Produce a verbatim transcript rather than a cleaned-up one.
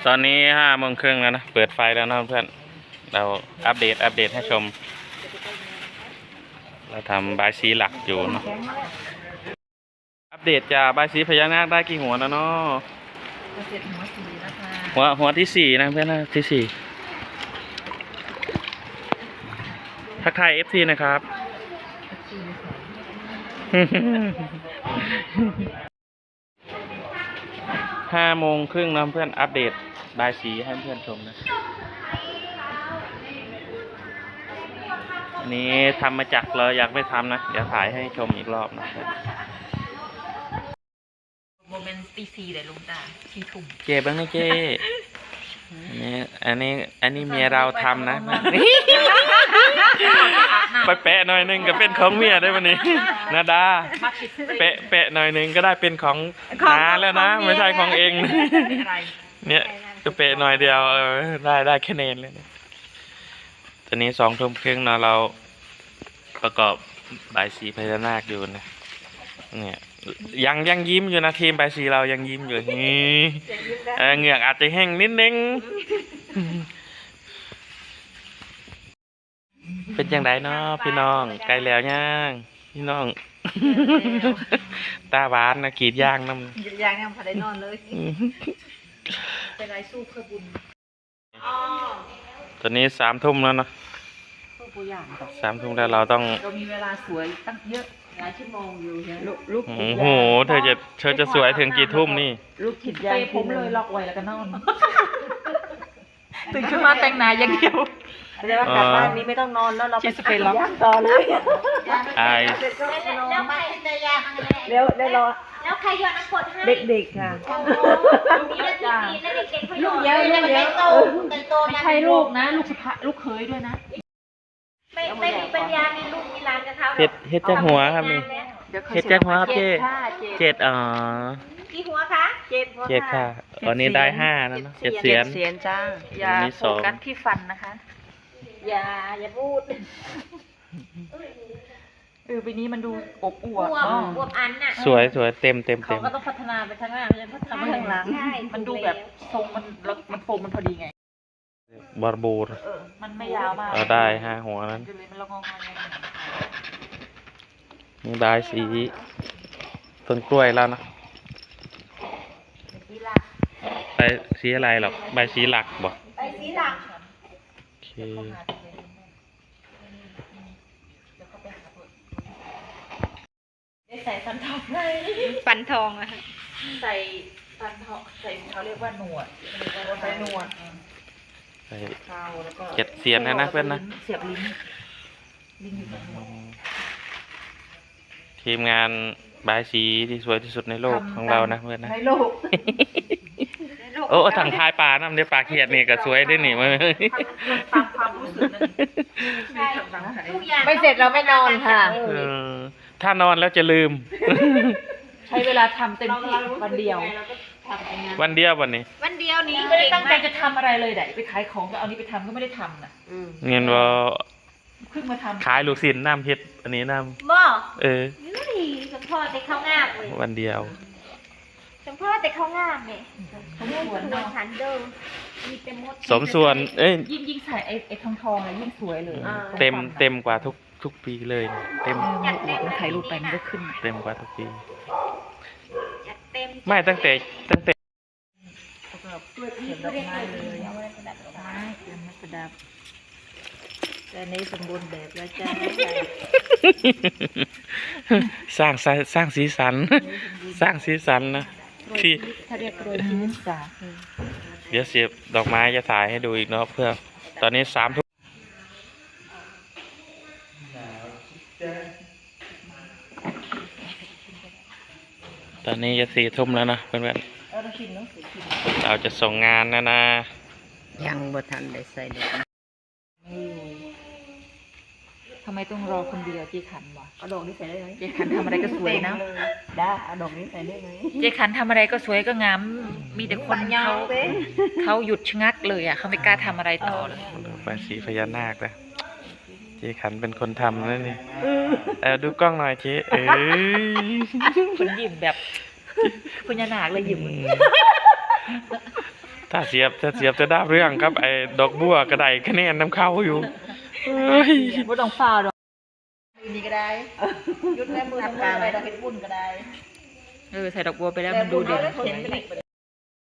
ตอนนี้ห้าโมงครึ่งแล้วนะเปิดไฟแล้วนะเพื่อนเราอัปเดตอัปเดตให้ชมเราทำบายสีหลักอยู่เนาะอัปเดตจากบายสีพญานาคได้กี่หัวแล้วเนาะหัวหัวที่สี่นะเพื่อนนะที่สี่ทักทายเอฟซีนะครับห้าโมงครึ่งนะเพื่อนอัปเดตบายสีให้เพื่อนชมนะอันนี้ทำมาจากเราอยากไม่ทำนะเดี๋ยวถ่ายให้ชมอีกรอบนะโมเมนต์ตีซีเลยลุงตาทีทุ่มเจ๊บ้างนะเจ๊อันนี้อันนี้อันนี้เมียเราทำนะไปแปะหน่อยนึงก็เป็นของเมียได้วันนี้นาดาแปะแปะหน่อยนึงก็ได้เป็นของน้าแล้วนะไม่ใช่ของเองเนี่ยก็แปะหน่อยเดียวเออได้ได้คะแนนเลยตอนนี้สองทุ่มครึ่งนะเราประกอบบายสีพญานาคอยู่นะเนี่ยยังยังยิ้มอยู่นะทีมบายสีเรายังยิ้มอยู่นี่เหงือกอาจจะแห้งนิดนึงเป็นยังไงเนาะพี่น้องไกลแล้วย่างพี่น้องตาหวานนะกรีดย่างน้ำกรีดย่างเนี่ยพอได้นอนเลยเป็นไรสู้เพื่อบุญตอนนี้สามทุ่มแล้วเนาะสามทุ่มแล้วเราต้องเรามีเวลาสวยตั้งเยอะหลายชั่วโมงอยู่ใช่ลูกโอ้โหเธอจะเธอจะสวยถึงกี่ทุ่มนี่ลูกคิดยางผมเลยล็อกไว้แล้วก็นอนตื่นขึ้นมาแต่งหน้าอย่างเดียวเดี๋ยวกลับบ้านนี้ไม่ต้องนอนแล้วเราไปสเปรย์ล็อกต่อเลยไอแล้วใครจะยาเร็วได้รอแล้วใครโยนน้ำกรดให้เด็กๆค่ะนี่แล้วทีแล้วเด็กๆเขาโยนเยอะเลยไม่โตไม่โตนะไม่ใช่ลูกนะลูกพระลูกเคยด้วยนะไม่ไม่มีปัญญามีลูกมีหลานกับเขาเฮ็ดเฮ็ดจักหัวครับนี่เฮ็ดจักหัวครับเจ๊เจ็ดอ๋อกี่หัวคะเจ็ดเจ็ดค่ะอันนี้ได้ห้าแล้วเนาะเจ็ดเสียนเสียนจ้าอย่าโฟกัสที่ฟันนะคะอย่าอย่าพูดเออปีนี้มันดูอบอวบอวบอันน่ะสวยสวยเต็มเต็มเต็มเขาก็ต้องพัฒนาไปทางหน้าไม่ใช่พัฒนาไปทางหลังมันดูแบบทรงมันมันโฟมมันพอดีไงบาร์บูร์มันไม่ยาวมากเราได้ห้าหัวนั้นนี่ได้สีต้นกล้วยแล้วนะใบสีอะไรหรอกใบสีหลักบอกใบสีหลักโอเคใส่ฟันทองไหมฟันทองอะใส่ฟันทองใส่เขาเรียกว่าหนวดใส่หนวดเจ็ดเสียนนะนะเพื่อนนะเสียบลิ้นทีมงานบายสีที่สวยที่สุดในโลกของเรานะเพื่อนนะในโลกโอ้ถังท้ายปลาน้ำเดี๋ยวปลาเขียดนี่ก็สวยได้หนิมาตามความรู้สึกไม่เสร็จเราไม่นอนค่ะถ้านอนแล้วจะลืมใช้เวลาทำเต็มที่วันเดียววันเดียววันนี้วันเดียวนี้ไม่ได้ตั้งใจจะทำอะไรเลยได้ไปขายของก็เอานี้ไปทำก็ไม่ได้ทำน่ะเงินว่าเพิ่งมาทำขายลูกศิลป์น้ำเฮ็ดอันนี้น้ำบ่เออสมพ่อแต่เขางามเลยวันเดียวสมพ่อแต่เขางามเนี่ยเขาเล่นส่วนฉันเดิมมีเต็มหมดสมส่วนเอ้ยยิ่งยิ่งใส่ไอ้ไอ้ทองทองเลยยิ่งสวยเลยเต็มเต็มกว่าทุกทุกปีเลยเต็มมันถ่ายรูปไปมันก็ขึ้นเต็มกว่าทุกปีไม่ตั้งแต่ตั้งแต่ด้วยเขียนดอกไม้เลยประดับดอกไม้เขียนประดับแต่นี้สมบูรณ์แบบแล้วจ้าสร้างสร้างสีสันสร้างสีสันนะที่ถ้าเรียกโรยที่นิสาเดี๋ยวเสียบดอกไม้จะถ่ายให้ดูอีกเนาะเพื่อตอนนี้สามทุ่มตอนนี้จะสี่ทุ่มแล้วนะเพื่อนๆเราจะส่งงานนะนะยังบ่ทันได้ใส่ดอกทำไมต้องรอคนเดียวเจ๊ขันวะเอาดอกนี้ใส่ได้ไหมเจ๊ขันทำอะไรก็สวยนะได้เอาดอกนี้ใส่ได้ไหมเจ๊ขันทำอะไรก็สวยก็งามมีแต่คนเขาเขาหยุดชะงักเลยอ่ะเขาไม่กล้าทำอะไรต่อเลยบายสีพญานาคนะเจ๊ขันเป็นคนทำนั่นนี่เออดูกล้องหน่อยเจ๊เออคนยิ้มแบบพญานาคเลยยิ้มถ้าเสียบถ้าเสียบจะได้เรื่องครับไอ้ดอกบัวกระไดคะแนนน้ำเข้าอยู่เอ้ยบ่ต้องฟ้าวดอกนี่ก็ได้ยุดแม่มือทำงานอะไรเราเห็นบุญก็ได้เออใส่ดอกบัวไปแล้วมันดูเด่นเห็น